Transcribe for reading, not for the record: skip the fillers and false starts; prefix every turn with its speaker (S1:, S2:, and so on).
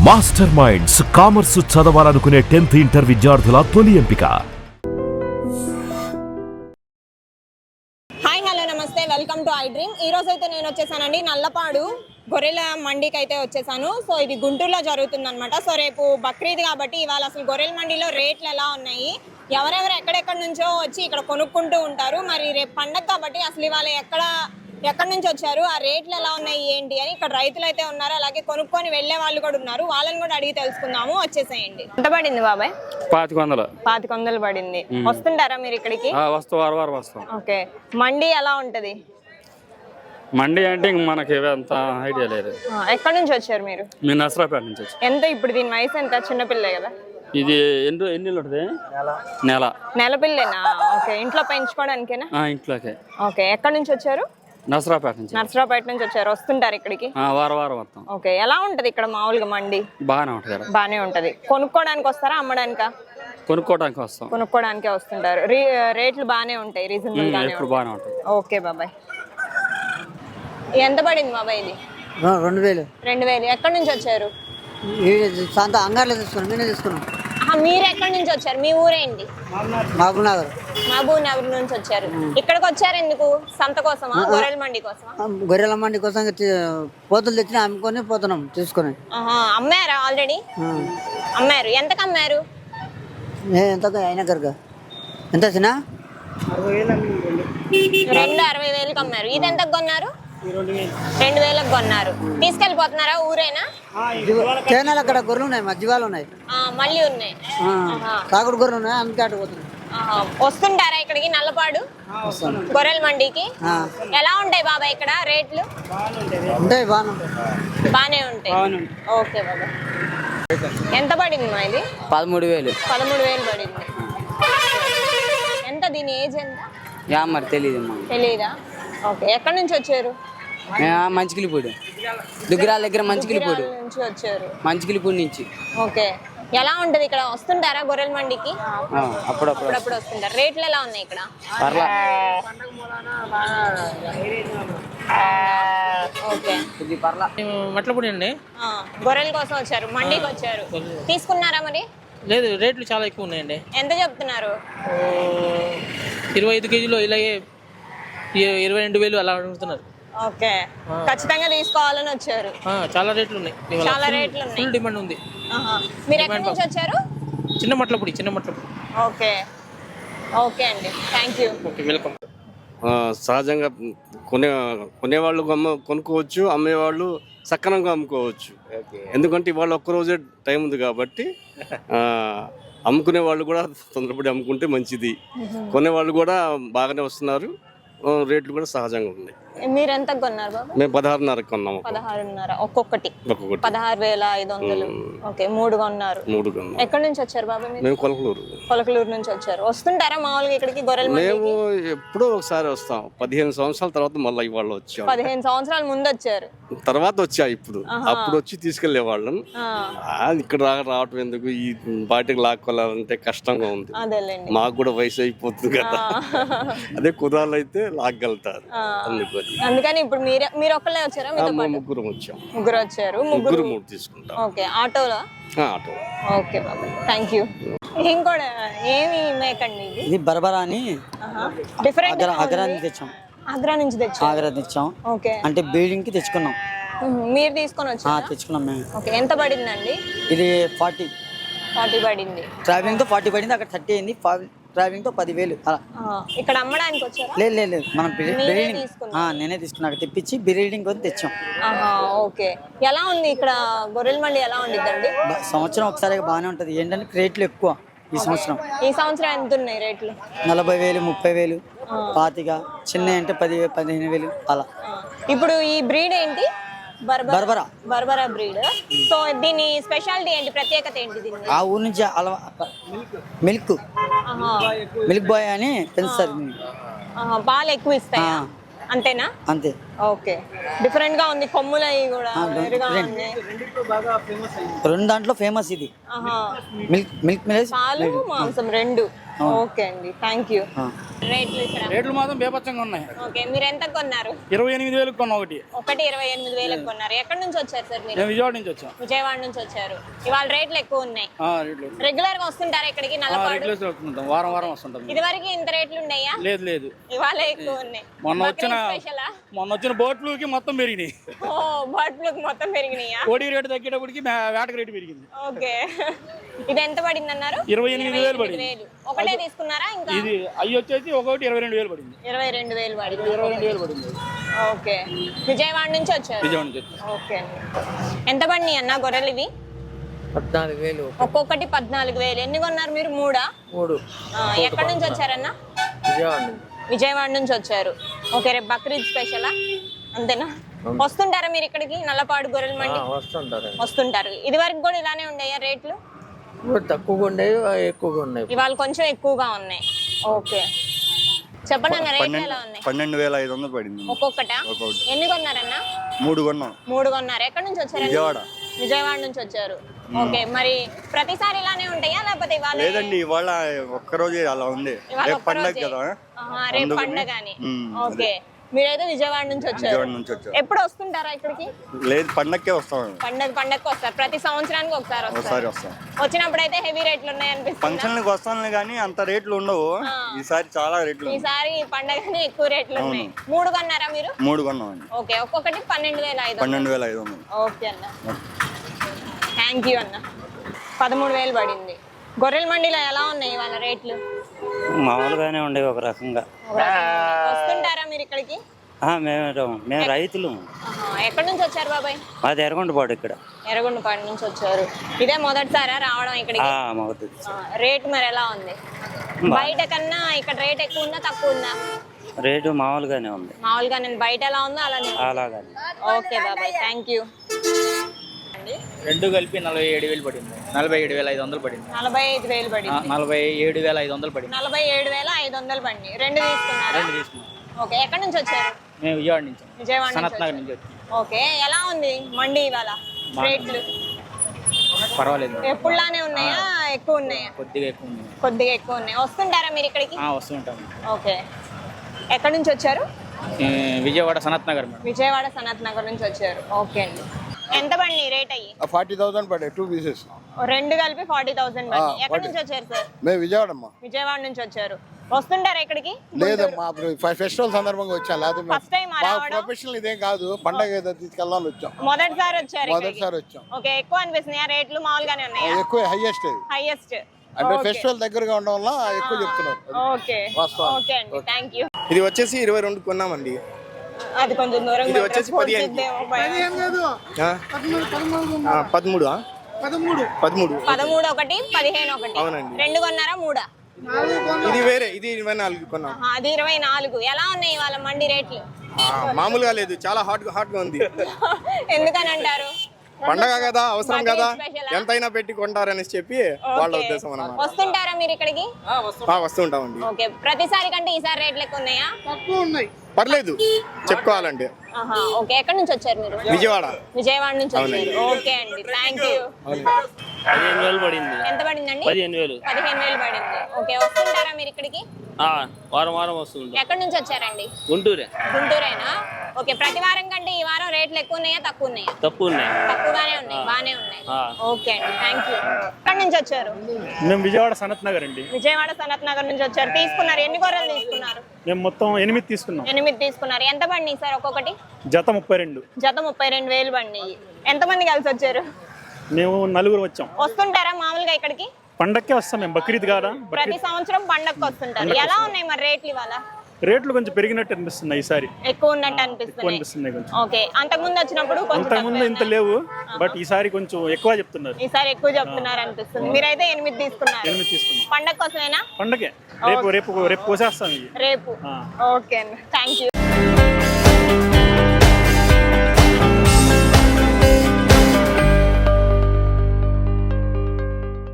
S1: Master minds commerce చదవాలనుకునే 10th inter విద్యార్థుల తొలి ఎంపిక.
S2: Hi hello namaste, welcome to I dream. ఈ రోజు అయితే నేను వచ్చేసానండి నల్లపాడు గొర్రెల మండికి అయితే వచ్చేసాను. సో ఇది గుంటూరులో జరుగుతుంది అనమాట. సో రేపు బక్రీద్ కాబట్టి ఇవాళ అసలు గొర్రెల మండిలో రేట్లు ఎలా ఉన్నాయి, ఎవరెవరు ఎక్కడెక్కడి నుంచో వచ్చి ఇక్కడ కొనుక్కుంటూ ఉంటారు. మరి రేపు పండగ కాబట్టి అసలు ఇవాళ ఎక్కడి నుంచి వచ్చారు, ఆ రేట్లు ఎలా ఉన్నాయి ఏంటి అని ఇక్కడ రైతులు అయితే ఉన్నారు, అలాగే కొనుక్కొని వెళ్లే వాళ్ళు కూడా ఉన్నారు. వాళ్ళని కూడా అడిగి తెలుసుకుందాము. వచ్చేసేయండి. ఎంత పడింది బాబాయ్? 2500 పడింది. వస్తుంటారా మీరు ఇక్కడికి?
S3: వస్తాం.
S2: ఓకే, మండి ఎలా ఉంటది?
S3: మండి అంటే మనకి అంత ఐడియా లేదు.
S2: ఎక్కడి నుంచి వచ్చారు మీరు?
S3: మేము నర్సరాపేట నుంచి వచ్చాం.
S2: ఎంత ఇప్పుడు దీని వయసు ఎంత? చిన్నపిల్లే కదా
S3: ఇది. ఎన్ని ఉంటుంది?
S2: నెల పిల్లేనా? ఓకే, ఇంట్లో పెంచుకోవడానికేనా?
S3: ఇంట్లోకే.
S2: ఓకే, ఎక్కడి నుంచి వచ్చారు?
S3: నర్సరాపేట నుంచి.
S2: నర్సరాపేట నుంచి వచ్చారు. వస్తుంటారు ఇక్కడికి?
S3: వారం వస్తాం.
S2: ఓకే, ఎలా ఉంటది ఇక్కడ మామూలుగా మండి? బాగానే ఉంటది. కొనుక్కోవడానికి వస్తారా, అమ్మడానికా? కొనుక్కోవడానికే వస్తుంటారు. రేట్లు బాగానే ఉంటాయి, రీజనబుల్ గానే ఉంటాయి. ఓకే బాబాయ్. ఎంత పడింది బాబాయ్ ఇది? 2000. ఎక్కడి నుంచి వచ్చారు?
S4: అంగారులో తీసుకున్నాం. నేనే తీసుకున్నాం.
S2: మీరు ఎక్కడి నుంచి వచ్చారు? మీ ఊరేంటి? మహబూబ్ నగర్ నుంచి వచ్చారు. ఇక్కడికి వచ్చారు ఎందుకు? సంత కోసమా, గొర్రెల మండి కోసమా?
S4: గొర్రెల మండి కోసం పోతులు తెచ్చిన అమ్ముకొని పోతున్నాం తీసుకొని.
S2: అమ్మారా? ఆల్రెడీ అమ్మారు. ఎంతకు అమ్మారు?
S4: ఎంత అయినా కనుక ఎంత వచ్చినా
S2: 60,000కి అమ్మారు. ఇది ఎంతకు కొన్నారు? 2000కి కొన్నారు. తీసుకెళ్ళిపోతున్నారా? ఊరేనా?
S4: కేనాలు అక్కడ గొర్రెలు ఉన్నాయి, మధ్యవాళ్ళు ఉన్నాయి,
S2: మళ్ళీ ఉన్నాయి,
S4: కాకుడు గొర్రెలు ఉన్నాయి, అందుకే అటు పోతున్నాయి.
S2: వస్తుంటారా ఇక్కడికి నల్లపాడు గొర్రెల మండికి? ఎలా ఉంటాయి బాబా ఇక్కడ రేట్లు?
S4: ఉంటాయి,
S2: బాగానే ఉంటాయి. ఓకే బాబా. ఎంత పడింది మా ఇది?
S4: 13,000
S2: పడింది. ఎంత దీని ఏజ్ ఎంత?
S4: మరి
S2: తెలీదా? ఓకే, ఎక్కడి నుంచి వచ్చారు?
S4: మంచికిలిపూడి దుగ్గిరాల దగ్గర మంచికిలిపూడి
S2: నుంచి వచ్చారు.
S4: మంచికిలిపూడి నుంచి.
S2: ఓకే, ఎలా ఉంటది ఇక్కడ? వస్తుంటారా గొర్రెల మండికి? అప్పుడప్పుడు వస్తుంటారు. రేట్లు ఎలా ఉన్నాయి ఇక్కడ? ఓకే,
S5: మట్లపూడి అండి.
S2: గొర్రెల కోసం వచ్చారు, మండికి వచ్చారు. తీసుకున్నారా మరి?
S5: లేదు, రేట్లు చాలా ఎక్కువ ఉన్నాయండి.
S2: ఎంత చెప్తున్నారు?
S5: 25 కేజీలు ఇలాగే 22,000 అలా అడుగుతున్నారు.
S2: ఓకే, ఖచ్చితంగా తీసుకోవాలని వచ్చారు.
S5: చాలా రేట్లు ఉన్నాయి. ఫుల్ డిమాండ్ ఉంది.
S2: మీరు ఎక్కడి నుంచి వచ్చారు?
S5: చిన్న మట్లపూడి.
S2: ఓకే ఓకే అండి, థ్యాంక్ యూ.
S5: Okay, welcome.
S6: సహజంగా కొనేవాళ్ళు కొనుక్కోవచ్చు, అమ్మేవాళ్ళు సక్రమంగా అమ్ముకోవచ్చు. ఎందుకంటే ఇవాళ ఒక్కరోజే టైం ఉంది కాబట్టి అమ్ముకునే వాళ్ళు కూడా తొందరపడి అమ్ముకుంటే మంచిది. కొనేవాళ్ళు కూడా బాగానే వస్తున్నారు, రేట్లు కూడా సహజంగా ఉన్నాయి.
S2: మీరు ఎంత కొన్నారు బాబా?
S6: మేము 16,500 కొన్నాము.
S2: 16,500 ఒక్కొక్కటి 16,500. ఓకే, 3 కొన్నారు. ఎక్కడి నుంచి వచ్చారు బాబా మీరు?
S6: మేము
S2: కొలకలూరు నుంచి వచ్చారు. వస్తుంటారా మామూలుగా ఇక్కడికి గొర్రెల మండికి?
S6: మేము ఎప్పుడో ఒకసారి వస్తాం. 15 సంవత్సరాల తర్వాత మళ్ళీ ఇవాళ వచ్చాం.
S2: 15 సంవత్సరాల ముందు వచ్చారు,
S6: తర్వాత వచ్చా. అప్పుడు వచ్చి తీసుకెళ్లే వాళ్ళం. ఇక్కడ రావటం ఎందుకు, ఈ బాటికి లాక్కోవాలంటే కష్టంగా ఉంది. మాకు కూడా వయసు అయిపోతుంది కదా. అదే కుర్రాళ్ళు అయితే లాగలుగుతారు.
S2: అందుకని ఇప్పుడు మీరు ఒక్కళ్ళే వచ్చారా?
S6: ముగ్గురు వచ్చాం.
S2: ముగ్గురు వచ్చారు.
S6: 3 తీసుకుంటాం.
S2: ఓకే, ఆటోలో?
S6: ఆటో.
S2: ఓకే బాబా, థ్యాంక్ యూ. ఇంకోటి ఏమి మేకండి ఇది?
S4: ఇది బర్బరా అని
S2: డిఫరెంట్.
S4: ఆగ్రా నుంచి తెచ్చాం. ఆగ్రా తెచ్చాం.
S2: ఓకే,
S4: అంటే బిల్డింగ్ కి తెచ్చుకున్నాం.
S2: మీరు తీసుకొని వచ్చారా?
S4: తెచ్చుకున్నాం మేము.
S2: ఓకే, ఎంత పడిందండి
S4: ఇది? 40
S2: పడింది.
S4: ట్రావెలింగ్ తో 40 పడింది. అక్కడ 30 అయింది. ట్రావెలింగ్ తో 10,000 అలా.
S2: ఇక్కడ అమ్మడానికి వచ్చారా?
S4: లేదు, మనం నేనే తీసుకున్నా. తెప్పించి బిల్డింగ్ కొని తెచ్చాం.
S2: ఓకే, ఎలా ఉంది ఇక్కడ గొర్రెల మండి? ఎలా ఉండిద్దండి?
S4: సంవత్సరం ఒకసారి బాగానే ఉంటది. ఏంటంటే రేట్లు ఎక్కువ ఈ సంవత్సరం.
S2: ఈ సంవత్సరం ఎంత ఉన్నాయి రేట్లు?
S4: 40,000, 30,000, 25,000. చిన్న అంటే 10,000, 15,000 అలా.
S2: ఇప్పుడు ఈ బ్రీడ్ ఏంటి?
S4: బర్బరా
S2: బ్రీడ్. సో దీని స్పెషాలిటీ ఏంటి, ప్రత్యేకత ఏంటి దీని?
S4: ఆ ఊరు నుంచి మిల్క్ బాయ్ అని పెంచుతారు.
S2: పాలు ఎక్కువ ఇస్తాయా? అంతేనా?
S4: అంతే.
S2: ఓకే, డిఫరెంట్ గా ఉంది. కొమ్ములు అవి కూడా
S4: రెండు దాంట్లో ఫేమస్ ఇది. మిల్క్
S2: పాలు మాంసం రెండు. ఓకే అండి, థ్యాంక్ యూ. రేట్లు ఇక్కడ
S5: రేట్లు మాత్రం బేపచ్చంగా ఉన్నాయి.
S2: ఓకే, మీరు ఎంత కొన్నారు?
S5: 28,000 కొన్నా ఒకటి.
S2: 28,000 కొన్నారు. ఎక్కడి నుంచి వచ్చారు సార్ మీరు?
S5: మేము విజయవాడ నుంచి వచ్చాం.
S2: విజయవాడ నుంచి వచ్చారు. ఇవాళ రేట్లు ఎక్కువ ఉన్నాయి.
S5: రేట్లు
S2: రెగ్యులర్ గా వస్తుంటారా ఇక్కడికి నల్లపాడు?
S5: రెగ్యులర్ వస్తుంటాం, వారం వారం వస్తుంటాం.
S2: ఇది వరకు ఇంత రేట్లు ఉన్నాయా?
S5: లేదు లేదు,
S2: ఇవాళ ఎక్కువ ఉన్నాయి.
S5: మొన్న
S2: స్పెషలా?
S5: వచ్చిన బోట్లకి మొత్తం పెరిగినాయి.
S2: ఓ, బర్డ్‌లకు మొత్తం పెరిగినాయా?
S5: కోడి రేటు తగ్గేటప్పటికి వేటకి రేటు పెరిగింది.
S2: ఓకే, ఇది ఎంత పడింది అన్నారు?
S5: 28,000 పడింది.
S2: ఒకటే తీసుకున్నారా? ఇంకా
S5: ఇది అవి వచ్చేసి ఒకటి 22,000 పడింది.
S2: 22,000 పడింది.
S5: 22,000 పడింది.
S2: ఓకే, విజయవాడ నుంచి వచ్చారు.
S5: విజయవాడ నుంచి వచ్చాం.
S2: ఓకే అండి. ఎంత పడినాయి అన్న గొర్రెలు ఇవి?
S4: 14,000.
S2: ఒక్కొక్కటి 14,000. ఎన్ని కొన్నారు మీరు? 3. ఎక్కడి నుంచి వచ్చారన్న? విజయవాడ నుంచి వచ్చారు. ఓకే, రేపు బక్రీద్ స్పెషలా? అంతేనా? వస్తుంటారా మీరు ఇక్కడికి నల్లపాడు గొర్రెల మండి? వస్తుంటారు. ఇది వరకు కూడా ఇలానే ఉన్నాయా రేట్లు?
S4: తక్కువగా ఉండేవి, ఎక్కువగా ఉన్నాయి.
S2: ఇవాళ కొంచెం ఎక్కువగా ఉన్నాయి. ఓకే, చెప్పండి అన్న, రేట్లు ఎలా ఉన్నాయి?
S7: 12,500 పడింది
S2: ఒక్కొక్కట. ఎన్ని కొన్నారన్న?
S7: 3 కొన్నాం.
S2: 3 కొన్నారు. ఎక్కడి నుంచి వచ్చారు? విజయవాడ నుంచి వచ్చారు. ఓకే, మరి ప్రతిసారి ఇలానే ఉంటాయా లేకపోతే ఇవాళ?
S7: లేదండి, ఇవాళ ఒక్కరోజే అలా ఉంది. రేపు పండగ కదా.
S2: రేపు పండగ అని. ఓకే, మీరైతే విజయవాడ నుంచి వచ్చారు. ఎప్పుడు వస్తుంటారా ఇక్కడికి?
S7: లేదు, పండగకే వస్తాం.
S2: పండగకి వస్తారు. ప్రతి సంవత్సరానికి ఒకసారి
S7: వస్తాం.
S2: వచ్చినప్పుడు అయితే హెవీ రేట్లు ఉన్నాయి అనిపిస్తుంది.
S7: ఫంక్షన్లకు వస్తాను కానీ అంత రేట్లు ఉండవు. ఈసారి చాలా రేట్లు.
S2: ఈసారి పండగనే ఎక్కువ రేట్లు ఉన్నాయి. 3 కొన్నారా మీరు?
S7: 3 కొన్నామండి.
S2: ఓకే, ఒక్కొక్కటి 12,500.
S7: 12,500.
S2: ఓకే అన్న, థ్యాంక్ యూ అన్న. 13,000 పడింది. గొర్రెల మండిలో ఎలా ఉన్నాయి వాళ్ళ రేట్లు?
S4: మామూలుగానే ఉండేవి ఒక రకంగా.
S2: వస్తుంటారా మీరు ఇక్కడికి?
S4: మేము రైతులు.
S2: ఎక్కడి నుంచి వచ్చారు బాబాయ్?
S4: మాది ఎర్రగొండపాడు. ఇక్కడ
S2: ఎర్రగొండపాడు నుంచి వచ్చారు. ఇదే మొదటిసారా రావడం ఇక్కడికి? రేట్ మరి ఎలా ఉంది? బయట కన్నా ఇక్కడ రేట్ ఎక్కువ ఉందా తక్కువ ఉందా?
S4: రేటు మామూలుగానే ఉంది.
S2: మామూలుగానే. బయట ఎలా ఉందో
S4: అలాగే.
S2: ఓకే బాబాయ్, థ్యాంక్ యూ.
S5: రెండు కలిపి 47,000 పడింది. 47,500 పడింది.
S2: 45,000 పడింది.
S5: 47,500 పడింది.
S2: 47,500 పడింది. రెండు తీసుకున్నాం. ఓకే, ఎక్కడి నుంచి వచ్చారు?
S5: మేము విజయవాడ నుంచి.
S2: సనత్ నగర్ నుంచి వచ్చారు. ఓకే, ఎలా ఉంది మండి ఇవాళ రేట్లు?
S5: పర్వాలేదు,
S2: ఎప్పుడులానే ఉన్నాయా? ఎక్కువ ఉన్నాయా?
S5: కొద్దిగా ఎక్కువ ఉంది.
S2: కొద్దిగా ఎక్కువ ఉన్నాయి. వస్తుంటారా మీరు ఇక్కడికి?
S5: వస్తుంటాం.
S2: ఓకే, ఎక్కడి నుంచి వచ్చారు?
S5: విజయవాడ సనత్ నగర్.
S2: విజయవాడ సనత్ నగర్ నుంచి వచ్చారు. ఓకే అండి. ఎంత పడి రేట్ అయ్యి?
S8: 40,000 పడే 2 పీసెస్.
S2: రెండు కలిపి 40,000 పడి. ఎక్కడి నుంచి వచ్చారు సార్?
S8: మేము విజయవాడమ్మా.
S2: విజయవాడ నుంచి వచ్చారు. వస్తుంటారా ఇక్కడికి?
S8: లేదమ్మా, ఫెస్టివల్ సందర్భంగా వచ్చాం. లేకపోతే
S2: ఫస్ట్ టైం
S8: ప్రొఫెషనల్ ఇదేం కాదు, పండగ ఏదో తీసుకెళ్దామని వచ్చాం.
S2: మొదటిసారి
S8: వచ్చాం.
S2: ఓకే, ఎక్కువ అనిపిస్తున్నాయా రేట్లు? మామూలుగానే ఉన్నాయా?
S8: ఎక్కువ హైయెస్ట్ అంటే ఫెస్టివల్ దగ్గరగా ఉండడం వల్ల ఎక్కువ చెప్తున్నారు.
S2: ఓకే ఓకే అండి, థ్యాంక్ యూ.
S9: ఇది వచ్చేసి 22 కొన్నామండి.
S2: అది కొంచెం దూరం.
S9: ఇది వచ్చేసి 15.
S2: 13 ఒకటి 15 ఒకటి.
S9: అవునండి.
S2: 2 కొన్నారా? 3?
S9: ఇది వేరే, ఇది 24 కొన్నాం.
S2: అది 24. ఎలా ఉన్నాయి వాళ్ళ మండి రేట్లు?
S9: మామూలుగా లేదు, చాలా హాట్ గా ఉంది.
S2: ఎందుకని అంటారు?
S9: పండగ కదా, అవసరం కదా, ఎంతైనా పెట్టి కొంటారని చెప్పి వాళ్ళ ఉద్దేశం అన్నమాట.
S2: వస్తుంటారా మీరు ఇక్కడికి?
S9: వస్తుంటామండి.
S2: ఓకే, ప్రతిసారి కంటే ఈసారి రేట్లు ఎక్కువ ఉన్నాయా?
S8: తక్కువ ఉన్నాయి.
S9: పర్లేదు చెప్పుకోవాలంటే.
S2: ఓకే, ఎక్కడి నుంచి వచ్చారు మీరు? విజయవాడ నుంచి వచ్చారు. ఓకే అండి, థ్యాంక్ యూ.
S3: 15,000 పడింది.
S2: ఎంత పడిందండి?
S3: 15,000.
S2: 15,000 పడింది. ఓకే, వస్తుంటారా మీరు ఇక్కడికి?
S3: వారం వారం వస్తుంది.
S2: ఎక్కడి నుంచి వచ్చారండి? గుంటూరేనా? ఓకే, ప్రతి వారం కంటే ఈ వారం రేట్లు ఎక్కువ ఉన్నాయా తక్కువ ఉన్నాయా? తక్కువగానే ఉన్నాయి, బానే ఉన్నాయి. ఓకే అండి, థ్యాంక్ యూ. ఎక్కడి నుంచి వచ్చారు?
S5: మేము విజయవాడ సనత్ నగర్ అండి.
S2: విజయవాడ సనత్ నగర్ నుంచి వచ్చారు. తీసుకున్నారు? ఎన్ని గొర్రెలు తీసుకున్నారు?
S5: మేము మొత్తం 8 తీసుకున్నాం.
S2: 8 తీసుకున్నారు. ఎంత పడినాయి సార్ ఒక్కొక్కటి?
S5: జత 32.
S2: జత 32,000 పడినాయి. ఎంతమంది కలిసి వచ్చారు?
S5: మేము 4 వచ్చాం.
S2: వస్తుంటారా మామూలుగా ఇక్కడికి?
S5: పండక్కే వస్తాం మేము, బక్రీద్ కాదా.
S2: ప్రతి సంవత్సరం పండగకి వస్తుంటారు. ఎలా ఉన్నాయి మరి రేట్లు ఇవాళ?
S5: రేట్లు కొంచెం పెరిగినట్టు అనిపిస్తుంది ఈసారి.
S2: ఎక్కువ ఉన్నట్టు అనిపిస్తుంది కొంచెం. ఓకే, అంతకుముందు వచ్చినప్పుడు
S5: అంతకుముందు ఇంత లేవు, బట్ ఈసారి కొంచెం ఎక్కువ చెప్తున్నారు.
S2: ఈసారి ఎక్కువ చెప్తున్నారు అనిపిస్తుంది. మీరైతే 8 తీసుకున్నారు.
S5: 8 తీసుకున్నాం.
S2: పండగ కోసమేనా?
S5: పండగే. రేపు కోసేస్తాం.
S2: రేపు. ఓకే అండి, థ్యాంక్ యూ.